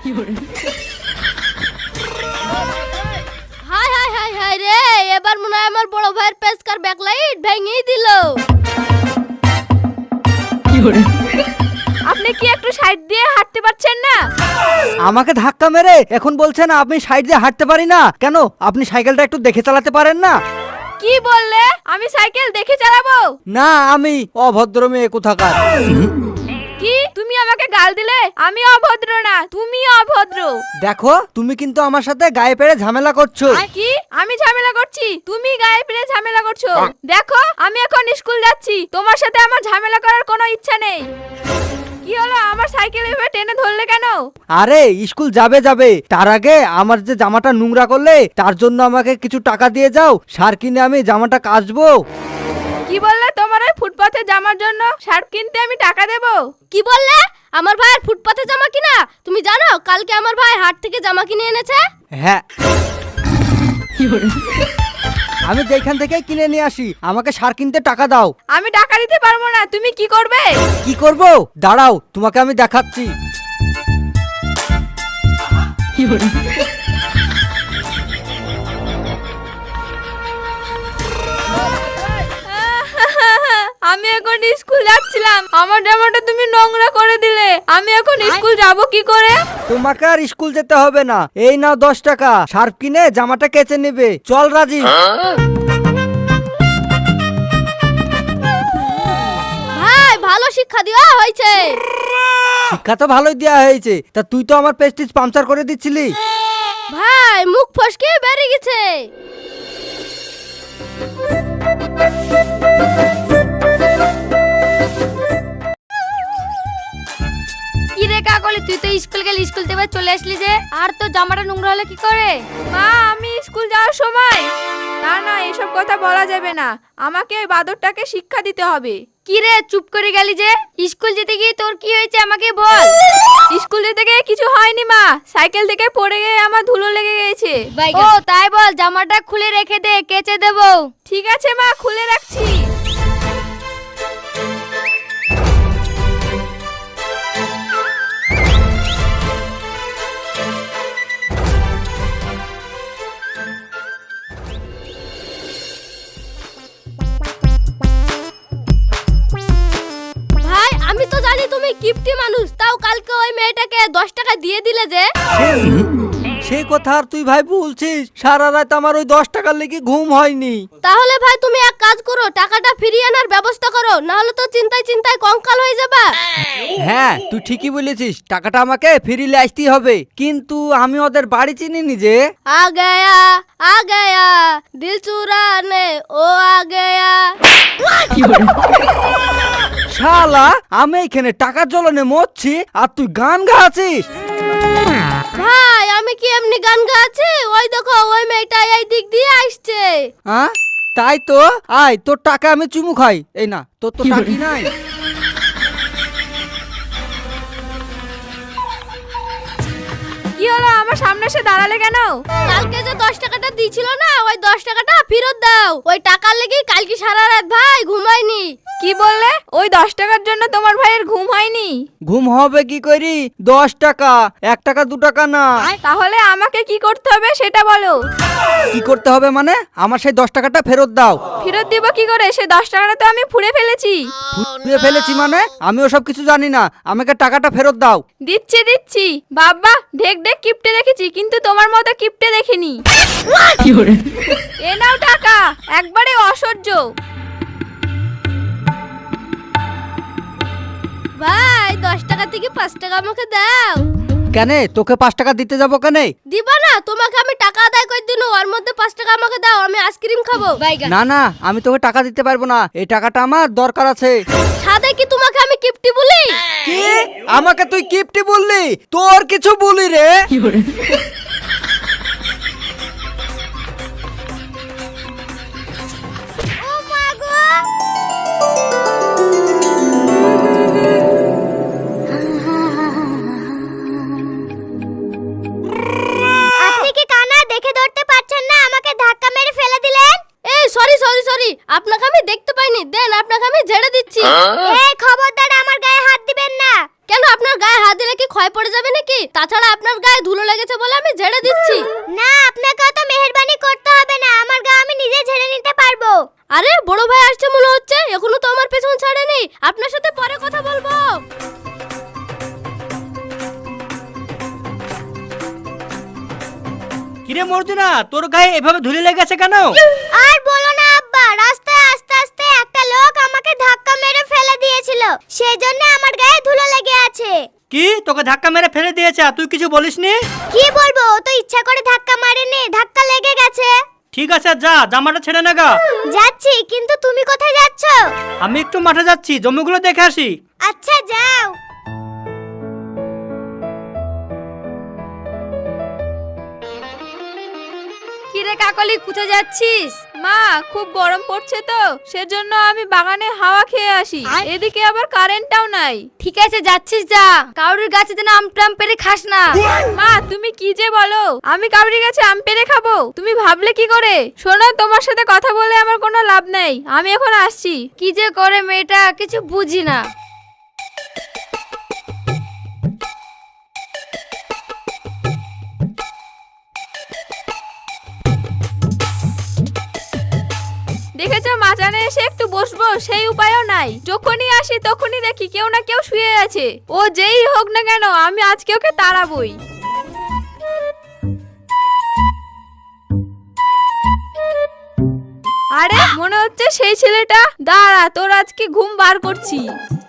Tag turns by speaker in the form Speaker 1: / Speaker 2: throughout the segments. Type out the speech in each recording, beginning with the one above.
Speaker 1: High high high high রে, এবার মনে হয় আমার বড় ভাইয়ের পেসকার ব্যাকলাইট ভেঙেই দিল।
Speaker 2: আপনি কি একটু সাইড দিয়ে হাঁটতে পারছেন না?
Speaker 3: আমাকে ধাক্কা মেরে এখন বলছেন আপনি সাইড দিয়ে হাঁটতে পারি না কেন? আপনি সাইকেলটা একটু দেখে চালাতে পারেন না?
Speaker 2: কি বললে? আমি সাইকেল দেখে চালাবো?
Speaker 3: না, আমি অভদ্র মেয়ে কোথাকার।
Speaker 2: কি তুমি আমাকে গাল দিলে? আমি অভদ্র না, তুমি অভদ্র।
Speaker 3: দেখো, তুমি কিন্তু আমার সাথে গায়ে পেড়ে ঝামেলা করছো।
Speaker 2: কি আমি ঝামেলা করছি? তুমি গায়ে পেড়ে ঝামেলা করছো। দেখো, আমি এখন স্কুল যাচ্ছি, তোমার সাথে আমার ঝামেলা করার কোনো ইচ্ছা নেই। কি হলো, আমার সাইকেল এভাবে টেনে ধরলে কেন?
Speaker 3: আরে স্কুল যাবে, তার আগে আমার যে জামাটা নোংরা করলে তার জন্য আমাকে কিছু টাকা দিয়ে যাও, সার কিনে আমি জামাটা কাচবো।
Speaker 2: কি বললে? তোমার ওই ফুটপাথে জামার জন্য শার্ট কিনতে আমি টাকা দেব?
Speaker 1: কি বললে? আমার ভাইয়ের ফুটপাথে জামা কিনা? তুমি জানো কালকে আমার ভাই হাট থেকে জামা কিনে এনেছে?
Speaker 3: হ্যাঁ, আমি যেখান থেকে কিনে নিয়ে আসি, আমাকে সার কিনতে টাকা দাও।
Speaker 2: আমি টাকা দিতে পারবো না, তুমি কি করবে?
Speaker 3: কি করব? দাঁড়াও, তোমাকে আমি দেখাচ্ছি।
Speaker 2: আমি এখন স্কুল যাচ্ছিলাম, আমার জামাটা তুমি নোংরা করে দিলে, আমি এখন স্কুল যাব কি করে?
Speaker 3: তোমাকে আর স্কুল যেতে হবে না, এই নাও 10 টাকা, সার্ফ কিনে জামাটা কেচে নেবে। চল রাজি।
Speaker 1: ভাই, ভালো শিক্ষা দেওয়া হয়েছে।
Speaker 3: শিক্ষা তো ভালোই দেওয়া হয়েছে, তা তুই তো আমার প্রেস্টিজ পাংচার করে দিচ্ছিলি।
Speaker 1: ভাই, মুখ ফসকে বেরিয়ে গেছে।
Speaker 2: কি রে কাকলি, তুই তো স্কুল গেলি, স্কুল থেকে চলে আসলি যে, আর তো জামাটা নোংরা হলে কি করে? মা, আমি স্কুল যাওয়ার সময়। না না, এসব কথা বলা যাবে না, আমাকে ওই বাদরটাকে শিক্ষা দিতে হবে। কি রে, চুপ করে গেলি যে? স্কুল যেতে গিয়ে তোর কি হয়েছে আমাকে বল। স্কুল যেতে গিয়ে কিছু হয়নি মা, সাইকেল থেকে পড়ে গিয়ে আমার ধুলো লেগে গেছে। ও তাই বল, জামাটা খুলে রেখে দে, কেচে দেবো। ঠিক আছে মা, খুলে রাখছি।
Speaker 1: ভাই, আমি তো জানি তুমি কিপটি মানুষ, তাও কালকে ওই মেয়েটাকে 10 টাকা দিয়ে দিলে যে?
Speaker 3: সেই কথা আর তুই ভাই বলছিস? সারা রাত আমার ওই 10 টাকার লেগে ঘুম হয়নি।
Speaker 1: তাহলে ভাই তুমি এক কাজ করো, টাকাটা ফিরিয়ে আনার ব্যবস্থা করো, না হলে তো চিন্তায় চিন্তায় কঙ্কাল হয়ে যাবা।
Speaker 3: হ্যাঁ, তুই ঠিকই বলেছিস, টাকাটা আমাকে ফিরিলে আসতেই হবে, কিন্তু আমি ওদের বাড়ি চিনিনি যে।
Speaker 1: आ गया दिल चुराने ও आ गया।
Speaker 3: শালা, আমি এখানে টাকার জ্বলনে মরছি আর তুই গান গাচ্ছিস।
Speaker 1: ভাই, আমি কি এমনি গান গাচ্ছি? ওই দেখো, ওই মেয়েটা এই দিক দিয়ে আসছে।
Speaker 3: হ্যাঁ, তাই তো। আয়, তোর টাকা আমি চুমু খাই। এই না, তোর তো টাকি নাই।
Speaker 2: কি হলো, আমার সামনে এসে দাঁড়ালে কেন?
Speaker 1: কালকে যে 10 টাকাটা দিয়েছিল না, ওই 10 টাকাটা ফেরত দাও। ওই টাকার লেগে কালকে সারা রাত ভাই ঘুমাইনি।
Speaker 2: কি বললে? ওই 10 টাকার জন্য তোমার ভাইয়ের ঘুম হয়নি?
Speaker 3: ঘুম হবে কি করি? 10 টাকা, 1 টাকা 2 টাকা না।
Speaker 2: তাহলে আমাকে কি করতে হবে সেটা বলো।
Speaker 3: কি করতে হবে মানে? আমার সেই 10 টাকাটা ফেরত দাও।
Speaker 2: ফেরত দিব কি করে? সে 10 টাকাটা তো আমি ফুড়ে ফেলেছি।
Speaker 3: ফুটিয়ে ফেলেছি মানে? আমি ওসব কিছু জানি না, আমাকে টাকাটা ফেরত দাও।
Speaker 2: দিচ্ছি। বাবা, ঢেক ঢেক কিপটে দেখেছি, কিন্তু তোমার মতো কিপটে দেখিনি। এ নাও টাকা, একবারে অসহ্য।
Speaker 1: ভাই, 10 টাকা থেকে 5 টাকা আমাকে দাও।
Speaker 3: কেন? তোকে 5 টাকা দিতে যাবো কেন?
Speaker 1: দিবা না? তোমাকে আমি টাকা আদায় করে দিনু, ওর মধ্যে 5 টাকা আমাকে দাও, আমি আইসক্রিম খাবো।
Speaker 3: না না, আমি তোকে টাকা দিতে পারবো না, এই টাকাটা আমার দরকার আছে।
Speaker 1: সাদে কি তোমাকে আমি কিপটি বলি?
Speaker 3: কি? আমাকে তুই কিপটি বললি? তোর কিছু বলি রে?
Speaker 1: ও মা গো! আপনি কি কানা দেখে ধরতে পারছেন না? আমাকে ধাক্কা মেরে ফেলে দিলেন। এই সরি, আপনাকে আমি দেখতে পাইনি, দেন আপনাকে আমি ঝেড়ে দিচ্ছি। এই খবরদার, আমার গায়ে হাত দিবেন না। কেন? আপনার গায়ে হাত দিলে গেলে কি ক্ষয় পড়ে যাবে নাকি? তাছাড়া আপনার গায়ে ধুলো লেগেছে বলে আমি ঝেড়ে দিচ্ছি। না, আপনাকে অত মেহেরবানি করতে হবে না, আমার গা আমি নিজে ঝেড়ে নিতে পারবো। আরে বড় ভাই আসছে মনে হচ্ছে, এখনো তো আমার পেছন ছাড়েনি। আপনার সাথে পরে কথা বলবো।
Speaker 4: কিরে মর্জিনা, তোর গায়ে এভাবে ধুলে লেগেছে কেন?
Speaker 1: আর বলো না আব্বা, রাস্তায় আস্তে আস্তে একটা লোক আমাকে ধাক্কা মেরে ফেলে দিয়েছিল, সেই জন্য আমার গায়ে ধুলো লেগে আছে।
Speaker 4: কি, তোকে ধাক্কা মেরে ফেলে দিয়েছে? তুই কিছু বলিসনি?
Speaker 1: কি বলবো, ও তো ইচ্ছা করে ধাক্কা মারেনি, ধাক্কা লেগে গেছে।
Speaker 4: ঠিক আছে, যা জামাটা ছেড়ে না গা।
Speaker 1: যাচ্ছি, কিন্তু তুমি কোথায় যাচ্ছ?
Speaker 4: আমি একটু মাঠে যাচ্ছি, জমিগুলো দেখে আসি।
Speaker 1: আচ্ছা যাও।
Speaker 2: কিরে কাকলি, কোথায় যাচ্ছিস? মা, খুব গরম পড়ছে তো, সেজন্য আমি বাগানে হাওয়া খেয়ে আসি। এদিকে আবার কারেন্টটাও নাই।
Speaker 1: ঠিক আছে যাচ্ছিস যা, কাউরির গাছে যেন আম টাম পেরে খাস না।
Speaker 2: মা, তুমি কি যে বলো, আমি কাউরির কাছে আম পেরে খাবো? তুমি ভাবলে কি করে? শোনো, তোমার সাথে কথা বলে আমার কোনো লাভ নেই, আমি এখন আসছি।
Speaker 1: কি যে করে মেয়েটা, কিছু বুঝি না।
Speaker 2: দেখেছো, মাচানে এসে একটু বসবো সেই উপায়ও নাই। যখনই আসি তখনই দেখি কেউ না কেউ শুয়ে আছে। ও যেই হোক না কেন, আমি আজকে ওকে তাড়াবই। আরে মনে হচ্ছে সেই ছেলেটা। দাঁড়া, তোর আজকে ঘুম বার করছি।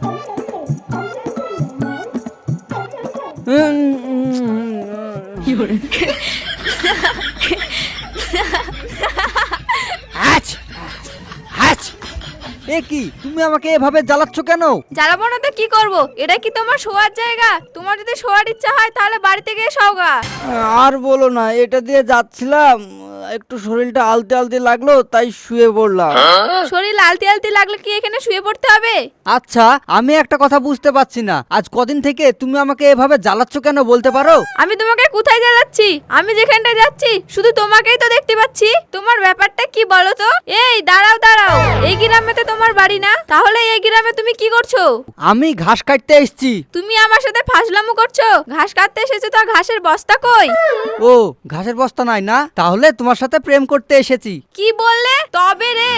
Speaker 3: এ কি, তুমি আমাকে এভাবে জ্বালাচ্ছ কেন?
Speaker 2: জ্বালাবো না তো কি করব? এটা কি তোমার শোয়ার জায়গা? তোমার যদি শোয়ার ইচ্ছা হয় তাহলে বাড়িতে গিয়ে শোগা।
Speaker 3: আর বলো না, এটা দিয়ে যাচ্ছিলাম, একটু শরীরটা আলতে আলতে লাগলো, তাই শুয়ে পড়লাম।
Speaker 2: শরীর আলতি আলতি লাগলে কি এখানে শুয়ে পড়তে হবে?
Speaker 3: আচ্ছা, আমি একটা কথা বুঝতে পারছি না, আজ কদিন থেকে তুমি আমাকে এভাবে জ্বালাচ্ছ কেন, বলতে পারো?
Speaker 2: আমি তোমাকে কোথায় জ্বালাচ্ছি? আমি যেখানটা যাচ্ছি শুধু তোমাকেই তো দেখতে পাচ্ছি। তোমার ব্যাপারটা কি বলো তো? এই দাঁড়াও দাঁড়াও, এই গ্রামে তো তোমার বাড়ি না, তাহলে এই গ্রামে তুমি কি করছো?
Speaker 3: আমি ঘাস কাটতে এসেছি।
Speaker 2: তুমি আমার সাথে ফাজলামো করছো? ঘাস কাটতে এসেছো তো ঘাসের বস্তা কই?
Speaker 3: ও, ঘাসের বস্তা নাই না, তাহলে তোমার সাথে প্রেম করতে এসেছি।
Speaker 2: কি বললে? তবে রে,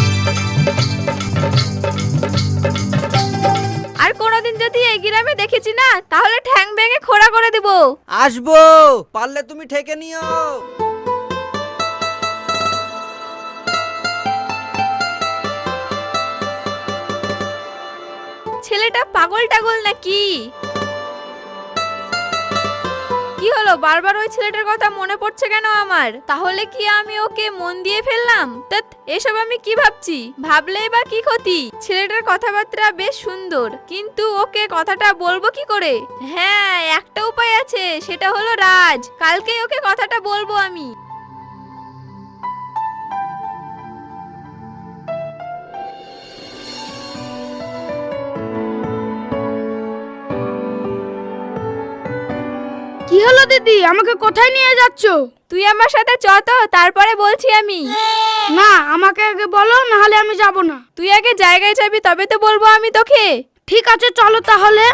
Speaker 2: আর কোনোদিন যদি এই গ্রামে দেখেছি না, তাহলে ঠ্যাং ভেঙে খোড়া করে দেব।
Speaker 3: আসবো, পারলে তুমি ঠেকে নিও।
Speaker 2: ছেলেটা পাগল টাগল নাকি? কি হলো, বারবার ওই ছেলেটার কথা মনে পড়ছে কেন আমার? তাহলে কি আমি ওকে মন দিয়ে ফেললাম? ধ্যাৎ, এসব আমি কি ভাবছি? ভাবলেই বা কি ক্ষতি? ছেলেটার কথাবার্তা বেশ সুন্দর, কিন্তু ওকে কথাটা বলবো কি করে? হ্যাঁ, একটা উপায় আছে, সেটা হলো রাজ। কালকেই ওকে কথাটা বলবো আমি।
Speaker 5: কি হলো দিদি, আমাকে কোথায় নিয়ে যাচ্ছ?
Speaker 2: তুই আমার সাথে চ তো, তারপরে বলছি আমি।
Speaker 5: না, আমাকে আগে বলো, না হলে আমি যাব না।
Speaker 2: তুই আগে জায়গায় যাবি, তবে তো বলবো আমি তোকে।
Speaker 5: ঠিক আছে, চলো তাহলে।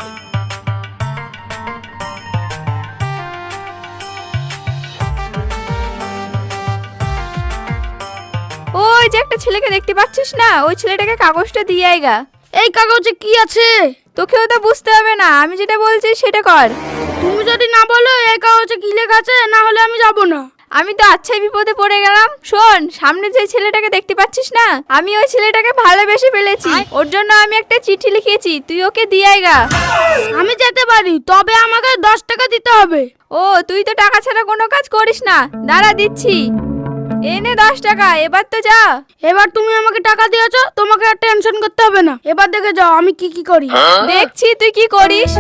Speaker 2: ওই যে একটা ছেলেকে দেখতে পাচ্ছিস না, ওই ছেলেটাকে কাগজটা দিয়ে আইগা।
Speaker 5: এই কাগজে কি আছে?
Speaker 2: তোকেও তো বুঝতে হবে না, আমি যেটা বলছি সেটা কর।
Speaker 5: তুমি যদি না বলো এই কাগজে কি লেখা আছে, না হলে আমি যাব না।
Speaker 2: আমি তো আচ্ছাই বিপদে পড়ে গেলাম। শোন, সামনে যে ছেলেটাকে দেখতে পাচ্ছিস না, আমি ওই ছেলেটাকে ভালোবেসে ফেলেছি। ওর জন্য আমি একটা চিঠি লিখেছি, তুই ওকে দিয়ে আইগা।
Speaker 5: আমি যেতে পারি, তবে আমাকে 10 টাকা দিতে হবে।
Speaker 2: ও, তুই তো টাকা ছাড়া কোনো কাজ করিস না। দাঁড়া, দিচ্ছি। এনে 10 টাকা, এবার তো যা।
Speaker 5: এবার তুমি আমাকে টাকা দিয়েছো, তোমাকে আর টেনশন করতে হবে না। এবার দেখে যাও আমি কি কি করি।
Speaker 2: দেখছি তুই কি করিস।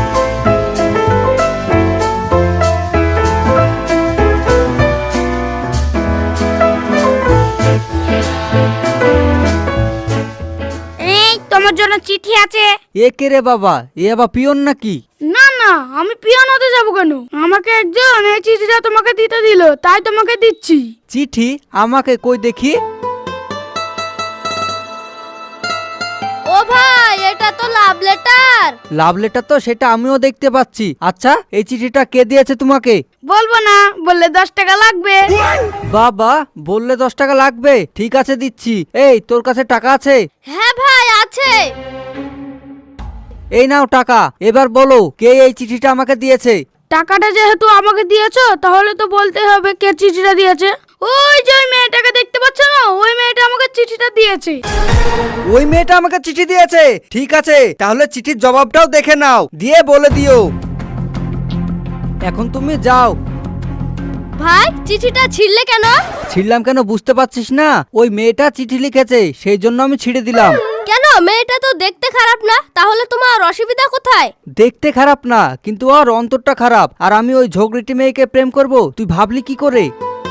Speaker 5: এই তোমার জন্য চিঠি আছে।
Speaker 3: এ কে রে বাবা, এ আবার পিয়ন নাকি?
Speaker 5: না না, আমি পিয়ন হতে যাবো কেন? আমাকে একজন এই চিঠিটা তোমাকে দিতে দিল, তাই তোমাকে দিচ্ছি।
Speaker 3: চিঠি? আমাকে কই দেখি।
Speaker 1: ও ভাই, এটা তো লাল লাভ লেটার।
Speaker 3: লাভ লেটার তো সেটা আমিও দেখতে পাচ্ছি। আচ্ছা এই চিঠিটা কে দিয়েছে তোমাকে?
Speaker 5: বলবো না, বললে 10 টাকা লাগবে।
Speaker 3: বাবা, বললে 10 টাকা লাগবে, ঠিক আছে দিচ্ছি। এই তোর কাছে টাকা আছে?
Speaker 1: হ্যাঁ ভাই আছে।
Speaker 3: এই নাও টাকা। এবার বলো কে এই চিঠিটা আমাকে দিয়েছে?
Speaker 5: টাকাটা যেহেতু আমাকে দিয়েছো, তাহলে তো বলতে হবে কে চিঠিটা দিয়েছে। ওই যে ওই মেয়েটাকে দেখতে পাচ্ছ না, ওই মেয়েটা আমাকে চিঠিটা দিয়েছে।
Speaker 3: ওই মেয়েটা আমাকে চিঠি দিয়েছে? ঠিক আছে, তাহলে চিঠির জবাবটাও দেখে নাও, দিয়ে বলে দিও। এখন তুমি যাও।
Speaker 1: ভাই চিঠিটা ছিঁড়লে কেন?
Speaker 3: ছিড়লাম কেন বুঝতে পারছিস না? ওই মেয়েটা চিঠি লিখেছে, সেই জন্য আমি ছিঁড়ে দিলাম।
Speaker 1: কেন? মেয়েটা তো দেখতে খারাপ না, তাহলে তোমার অসুবিধা কোথায়?
Speaker 3: দেখতে খারাপ না, কিন্তু ওর অন্তরটা খারাপ। আর আমি ওই ঝগড়িটি মেয়েকে প্রেম করব, তুই ভাবলি কি করে?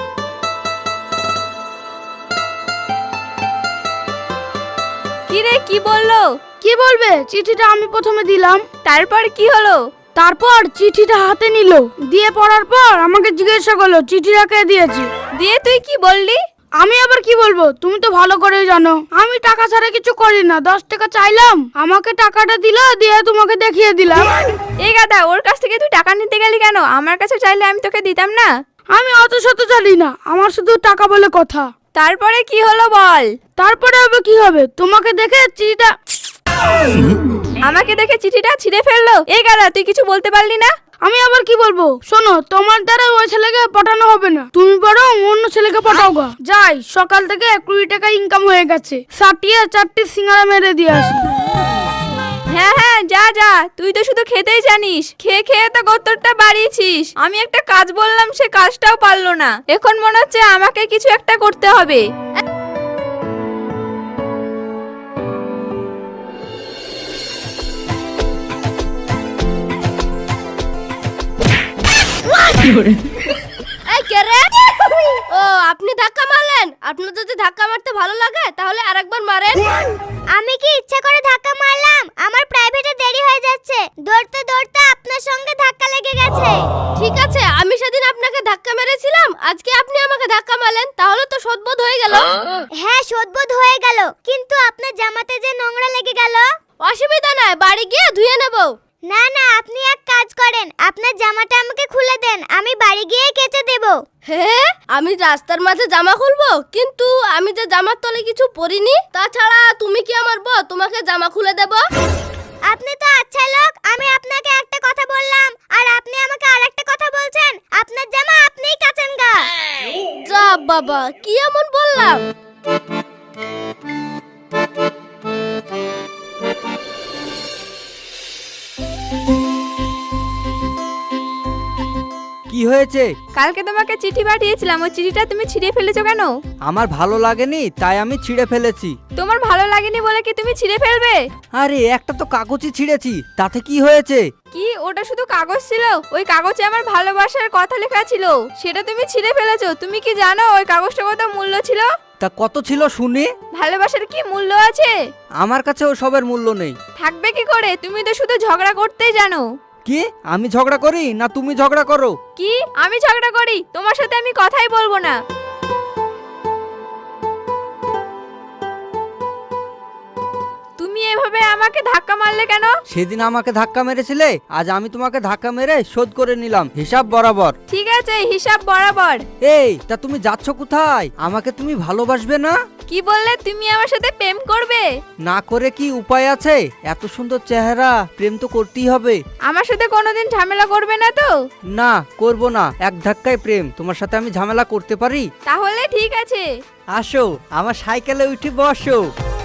Speaker 2: কি রে, কি বললো?
Speaker 5: কি বলবে? চিঠিটা আমি প্রথমে দিলাম।
Speaker 2: তারপর কি হলো?
Speaker 5: তারপর চিঠিটা হাতে নিল, দিয়ে পড়ার পর আমাকে জিজ্ঞাসা করলো চিঠিটা কে দিয়েছে।
Speaker 2: দিয়ে তুই কি বললি?
Speaker 5: আমি আবার কি বলবো, তুমি তো ভালো করেই জানো আমি টাকা ছাড়া কিছু করি না। 10 টাকা চাইলাম, আমাকে টাকাটা দিল, দিয়ে তোমাকে দেখিয়ে দিলাম।
Speaker 2: এই গাদা, ওর কাছ থেকে তুই টাকা নিতে গেলি কেন? আমার কাছে চাইলে আমি তোকে দিতাম না।
Speaker 5: আমি অত শত জানি না, আমার শুধু টাকা বলে কথা।
Speaker 2: তারপরে কি হলো বল?
Speaker 5: তারপরে হবে কি হবে, তোমাকে দেখে চিঠিটা
Speaker 2: আমাকে দেখে চিঠিটা ছিঁড়ে ফেললো? এই গাদা, তুই কিছু বলতে পারলি না?
Speaker 5: আমি আবার কি বলবো, শোনো, তোমার দ্বারা ওই ছেলেকে পটানো হবে না, তুমি বরং অন্য ছেলেকে পটাও গা। যাই, সকাল থেকে 20 টাকা ইনকাম হয়ে গেছে, 4টি সিঙ্গারা মেরে দিয়ে আসি।
Speaker 2: হ্যাঁ হ্যাঁ, যা যা, তুই তো শুধু খেতেই জানিস, খেয়ে খেয়ে তো গোত্তরটা বাড়িয়েছিস। আমি একটা কাজ বললাম, সে কাজটাও পারলো না। এখন মনে হচ্ছে আমাকে কিছু একটা করতে হবে।
Speaker 1: এই কে রে? ও আপনি ধাক্কা মারলেন? আপনার যদি ধাক্কা মারতে ভালো লাগে তাহলে আরেকবার মারেন। আমি কি ইচ্ছা করে ধাক্কা মারলাম? আমার প্রাইভেটে দেরি হয়ে যাচ্ছে, দৌড়তে দৌড়তে আপনার সঙ্গে ধাক্কা লেগে গেছে। ঠিক আছে, আমি সেদিন আপনাকে ধাক্কা মেরেছিলাম, আজকে আপনি আমাকে ধাক্কা মারলেন, তাহলে তো শোধবোধ হয়ে গেল। হ্যাঁ শোধবোধ হয়ে গেল, কিন্তু আপনার জামাতে যে নোংরা লেগে গেল। অসুবিধা নাই, বাড়ি গিয়ে ধুয়ে নেব। না না, আপনি এক কাজ করেন, আপনার জামাটা আমাকে খুলে দেন, আমি বাড়ি গিয়ে কেচে দেব। হ্যাঁ, আমি রাস্তার মাঝে জামা খুলবো? কিন্তু আমি যে জামার তলে কিছু পরিনি। তাছাড়া তুমি কি আমার বউ, তোমাকে জামা খুলে দেব? আপনি তো আচ্ছা লোক, আমি আপনাকে একটা কথা বললাম আর আপনি আমাকে আরেকটা কথা বলছেন। আপনার জামা আপনিই কাচেন গা। যা বাবা, কি এমন বললাম?
Speaker 3: কি হয়েছে?
Speaker 2: কালকে তোমাকে চিঠি পাঠিয়েছিলাম, ওই চিঠিটা তুমি ছিঁড়ে ফেলেছো কেন?
Speaker 3: আমার ভালো লাগেনি তাই আমি ছিঁড়ে ফেলেছি।
Speaker 2: তোমার ভালো লাগেনি বলে কি তুমি ছিঁড়ে ফেলবে?
Speaker 3: আরে একটা তো কাগজই ছিঁড়েছি, তাতে কি হয়েছে?
Speaker 2: কি, ওটা শুধু কাগজ ছিল? ওই কাগজে আমার ভালোবাসার কথা লেখা ছিল, সেটা তুমি ছিঁড়ে ফেলেছো। তুমি কি জানো ওই কাগজটা কত মূল্য ছিল?
Speaker 3: তা কত ছিল শুনি?
Speaker 2: ভালোবাসার কি মূল্য আছে?
Speaker 3: আমার কাছে ও সবের মূল্য নেই।
Speaker 2: থাকবে কি করে? তুমি তো শুধু ঝগড়া করতেই জানো।
Speaker 3: কি আমি ঝগড়া করি না তুমি ঝগড়া করো?
Speaker 2: কি আমি ঝগড়া করি? তোমার সাথে আমি কথাই বলবো না। তুমি এভাবে আমাকে ধাক্কা মারলে কেন?
Speaker 3: সেদিন আমাকে ধাক্কা মেরেছিলে, আজ আমি তোমাকে ধাক্কা মেরে শোধ করে নিলাম, হিসাব বরাবর।
Speaker 2: ঠিক আছে, হিসাব বরাবর।
Speaker 3: এই তা তুমি যাচ্ছ কোথায়? আমাকে তুমি ভালোবাসবে না?
Speaker 2: কি বললে? তুমি আমার সাথে প্রেম করবে?
Speaker 3: না করে কি উপায় আছে? এত সুন্দর চেহারা, প্রেম তো করতেই হবে।
Speaker 2: আমার সাথে কোনোদিন ঝামেলা করবে না তো?
Speaker 3: না করব না, এক ধাক্কায় প্রেম। তোমার সাথে আমি ঝামেলা করতে পারি?
Speaker 2: তাহলে ঠিক আছে।
Speaker 3: আসো আমার সাইকেলে উঠে বসো।